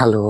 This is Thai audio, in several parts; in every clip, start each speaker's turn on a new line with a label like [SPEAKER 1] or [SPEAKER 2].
[SPEAKER 1] ฮัลโหล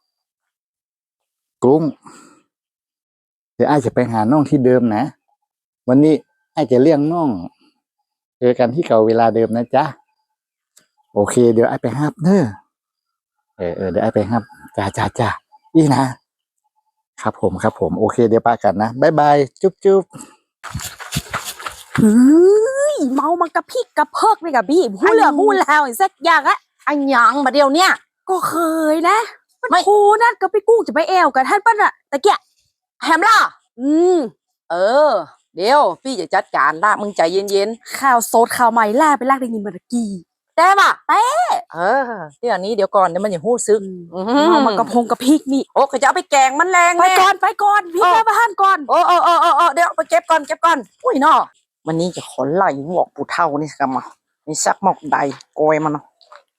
[SPEAKER 1] กุ้งเดี๋ยวไอ้จะไปหาน้องที่เดิมนะวันนี้ไอ้จะเลี้ยงน้องเจอกันที่เก่าเวลาเดิมนะจ๊ะโอเคเดี๋ยวไอ้ไปฮับเนอะเดี๋ยวไอ้ไปฮับจ้าอีนะครับผมโอเคเดี๋ยวปากันนะบ๊ายบายจุ๊บ
[SPEAKER 2] เฮ้ยเมามากระพิกกระเพิกเลยกับพี่พูดเหลือพูดแล้วอีกสักอย่างอะอันยังมาเดียวเนี่ยก็เคยนะมันโคนั่นก็ไปกู้จะไปแอวกับท่านปั้นอะตะเกียแฮมล่ะเออเดี๋ยวพี่จะจัดการละมึงใจเย็นๆข่าวโซดข่าวใหม่ล่าไปลากได้ยินมาตะกี้ได้ป่ะเออเดี๋ยวนี้เดี๋ยวก่อนเดี๋ยวมันอย่าหู้ซึกเมามากระพงกระพิกนี่โอ้ก็จะเอาไปแกงมันแรงไปก่อนพี่แม่บ้านก่อนโอ้เดี๋ยวไปเก็บก่อนอุ้ยเนาะวันนี้จะขอไล่หมวกปู่เท่านี่สักมานี่สักหมอกใดโกยมันเนาะ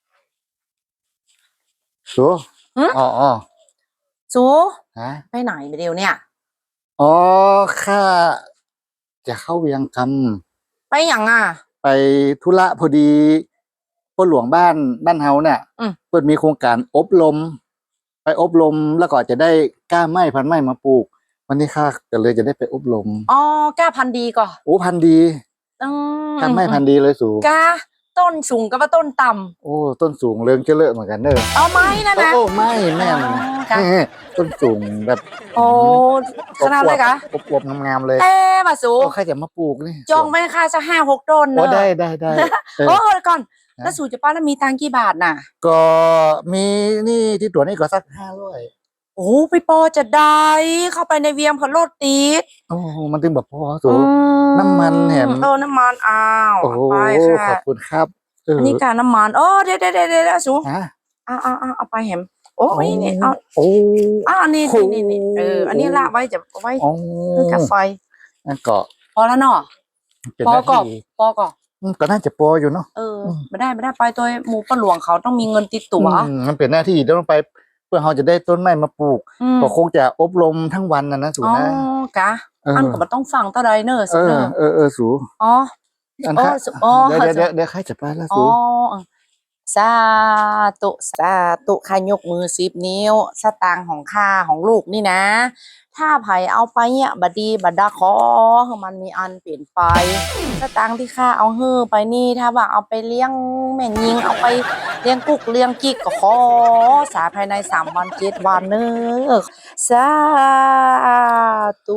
[SPEAKER 1] สูอ๋อ
[SPEAKER 2] สู
[SPEAKER 1] ฮะ
[SPEAKER 2] ไปไหนไปเดียวเนี่ย
[SPEAKER 1] อ๋อข้าจะเข้าเวียงค
[SPEAKER 2] ไปอย่างอ่ะ
[SPEAKER 1] ำไปธุระพอดีพ่อหลวงบ้านเฮาเนี่ยเปิดมีโครงการอบรมไปอบรมแล้วก็จะได้กล้าไม้พันไม้มาปลูกวันนี้ข้าก็เลยจะได้ไปอบรม
[SPEAKER 2] อ๋อกล้าพันดีก่อน
[SPEAKER 1] โอ้พันดีกล้าไม้พันดีเลยสูง
[SPEAKER 2] กล้าต้นสูงกับว่าต้นต่ำ
[SPEAKER 1] โอ้ต้นสูงเรื่องเจริญเหมือนกันเนอะ
[SPEAKER 2] เอาไม้นะ
[SPEAKER 1] โอ้ไม่แม่ต้นสูงแบบ
[SPEAKER 2] โอ้ขนาดเลยกะ
[SPEAKER 1] อวบงามเลย
[SPEAKER 2] มาสู
[SPEAKER 1] ใครจะมาปลูกนี่
[SPEAKER 2] จองไปค่าจะ5-6 ต้นเนอะ
[SPEAKER 1] ได้
[SPEAKER 2] โอ้ก่อนแล้วสูจะป้าแล้วมีตังกี่บาทน่ะ
[SPEAKER 1] ก็มีนี่ที่ตัวนี้ก็สัก500
[SPEAKER 2] โอ้ไปปอจะได้เข้าไปในเวียงพะโลดตีด
[SPEAKER 1] โอ้มันถึงแบบพอสูน้ำมันเห็น
[SPEAKER 2] น้ำมันอ้าว
[SPEAKER 1] โอ้ขอบคุณครับ
[SPEAKER 2] อันนี้การน้ำมันเดี๋ยวสูเอาไปเห็นโอ้ยนี่อันนี้อันนี้ละไว้จะไว้คือกาแฟ
[SPEAKER 1] นั่นก็
[SPEAKER 2] พอแล้วเนาะปอก่อ
[SPEAKER 1] ก็น่าจะปออยู่เนาะ
[SPEAKER 2] ไม่ได้ไปตัวหมู่ป้าหลวงเขาต้องมีเงินติดตัว
[SPEAKER 1] มันเป็นหน้าที่ต้องไปเพื่อเขาจะได้ต้นไม้มาปลูกก็คงจะอบรมทั้งวันนะสูนะ
[SPEAKER 2] กะอันก็มันต้องฟังเท่าไรเนอะ
[SPEAKER 1] สูสูเดี๋ยวใครจะไปแล้วสู
[SPEAKER 2] สาตุข้ายกมือ10 นิ้วสตางค์ของข้าของลูกนี่นะถ้าไผเอาไปเนี่ยบดีบัดดาขอมันมีอันเปลี่ยนไปสตางค์ที่ข้าเอาไปนี่ถ้าว่าเอาไปเลี้ยงแม่ยิงเอาไปเลี้ยงกุกเลี้ยงกิ๊กก็ขอสาภายใน3 วัน7 วันเนอะสาธุ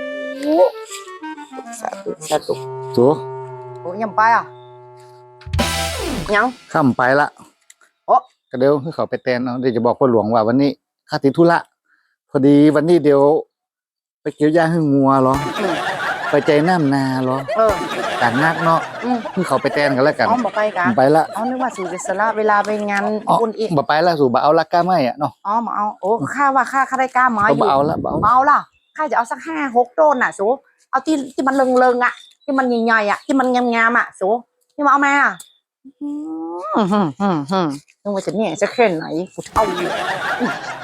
[SPEAKER 1] สู
[SPEAKER 2] โอ้ยังไปอ่ะยัง
[SPEAKER 1] ข้ามไปละก็เดี๋ยวให้เขาไปแทนเนาะเดี๋ยวจะบอกพ่อหลวงว่าวันนี้ข้าติดธุระพอดีวันนี้เดี๋ยวไปเกี่ยวหญ้าให้งัวเหรอไปใจน้ำนาเหรอการนักเนาะให้เขาไปแทนกันแล้วกัน
[SPEAKER 2] บอกไปกัน
[SPEAKER 1] ไปละ
[SPEAKER 2] นึกว่าสู่จะสละเวลาไปงานบุญอีก
[SPEAKER 1] บอกไปละสู่บ่เอาละก้าไม้อ่ะเนาะ
[SPEAKER 2] มาเอาโอ้ข้าว่าข้าได้ก้าไม้อยู่
[SPEAKER 1] เอาละ
[SPEAKER 2] ข้าจะเอาสัก5-6 ต้นน่ะสูเอาที่มันเริงอ่ะที่มันใหญ่ๆอ่ะที่มันงามๆอ่ะสูที่มาเอามานึกว่าจะเนี่ยจะแค่ไหนกูเท่าอยู่